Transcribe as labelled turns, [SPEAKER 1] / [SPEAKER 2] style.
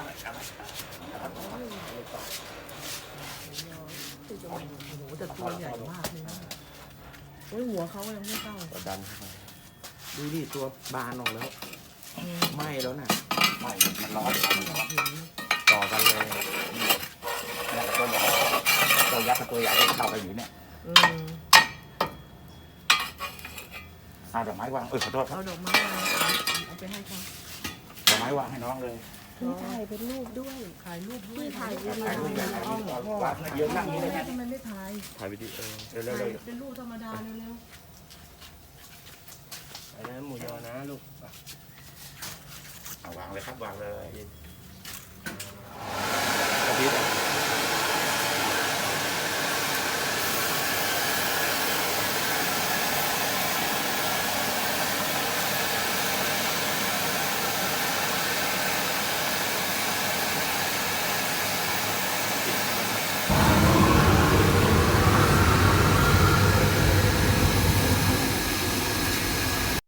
[SPEAKER 1] อะไรอะไร
[SPEAKER 2] โอ้โหแต่ตัวใหญ่มากเลยนะโอ้ยหัวเขายังไม่เข้า
[SPEAKER 1] ก็ดันเข้าไป
[SPEAKER 3] ดูดิตัวบานออกแล้วไหม้แล้วน่ะ
[SPEAKER 1] ไม่มันร้อนมันร้อน
[SPEAKER 3] ต่อกันเลย
[SPEAKER 1] แล้วก็ตัวใหญ่ตัวยักษ์กับตัวใหญ่ก็เข้าไปอยู่เนี่ย
[SPEAKER 2] อืม
[SPEAKER 1] เอาดอกไม้วางขอโทษครั
[SPEAKER 2] เอา
[SPEAKER 1] บ
[SPEAKER 2] ดอกไม้มาเอาไปให้เขา
[SPEAKER 1] ดอกไม้วางให้น้องเลย
[SPEAKER 4] ถ่ายเป็นรูปด้วย
[SPEAKER 2] ถ่ายรูปด้วย
[SPEAKER 4] ถ่ายวิดี
[SPEAKER 1] ถ่ายรูปใหญ่
[SPEAKER 4] โอ
[SPEAKER 1] ถ่ายรูปก่อนวางเยอะนั่งนี่เลยนะ
[SPEAKER 2] ทำไมไม่ถ่าย
[SPEAKER 3] ถ่ายวิดีโอ
[SPEAKER 1] เร็ว
[SPEAKER 2] ถ่าย
[SPEAKER 1] ๆ
[SPEAKER 2] เป็นรูปธรรมดาเร็ว
[SPEAKER 3] ไปนะหมูยอนะลูก
[SPEAKER 1] เอาวางเลยครับวางเลย
[SPEAKER 3] กระพริบ